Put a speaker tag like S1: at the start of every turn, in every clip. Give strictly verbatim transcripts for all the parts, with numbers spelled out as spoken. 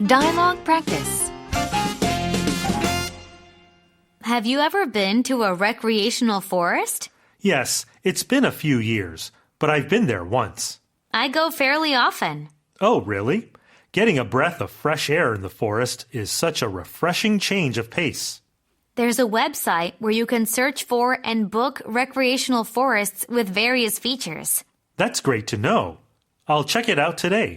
S1: Dialogue practice. Have you ever been to a recreational forest?
S2: Yes, it's been a few years, but I've been there once.
S1: I go fairly often.
S2: Oh, really? Getting a breath of fresh air in the forest is such a refreshing change of pace.
S1: There's a website where you can search for and book recreational forests with various features.
S2: That's great to know. I'll check it out today.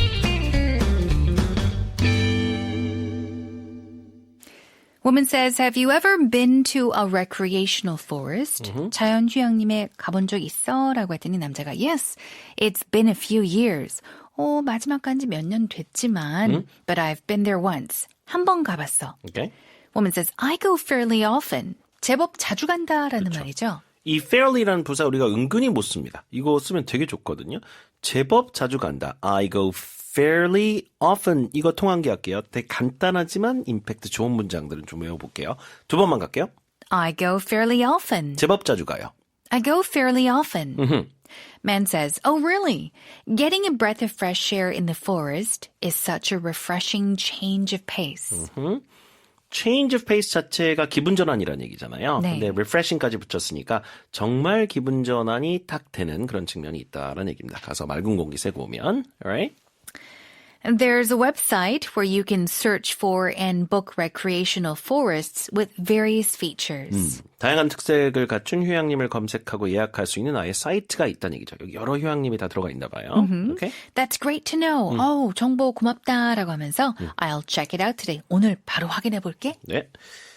S3: Woman says, have you ever been to a recreational forest?
S2: Mm-hmm.
S3: 자연휴양림에 가본 적 있어? 라고 했더니 남자가 yes, it's been a few years. 어, 마지막 간지 몇 년 됐지만
S4: 음?
S3: but I've been there once. 한 번 가봤어.
S4: Okay.
S3: Woman says, I go fairly often. 제법 자주 간다라는
S4: 그렇죠.
S3: 말이죠.
S4: 이 fairly라는 부사 우리가 은근히 못 씁니다. 이거 쓰면 되게 좋거든요. 제법 자주 간다. I go fairly often. 이거 통한기 할게요. 되게 간단하지만 임팩트 좋은 문장들은 좀 외워볼게요. 두 번만 갈게요.
S3: I go fairly often.
S4: 제법 자주 가요.
S3: I go fairly often.
S4: 음흠.
S3: Man says, oh really? Getting a breath of fresh air in the forest is such a refreshing change of pace.
S4: 음. change of pace 자체가 기분 전환이라는 얘기잖아요.
S3: 네.
S4: 근데 refreshing까지 붙였으니까 정말 기분 전환이 딱 되는 그런 측면이 있다라는 얘기입니다. 가서 맑은 공기 쐬고 오면. Alright?
S3: And there's a website where you can search for and book recreational forests with various features.
S4: 음, 다양한 특색을 갖춘 휴양림을 검색하고 예약할 수 있는 아예 사이트가 있다는 얘기죠. 여기 여러 휴양림이 다 들어가 있나 봐요. Okay?
S3: That's great to know. 어우, 정보 고맙다라고 하면서 I'll check it out today. 오늘 바로 확인해 볼게.
S4: 네.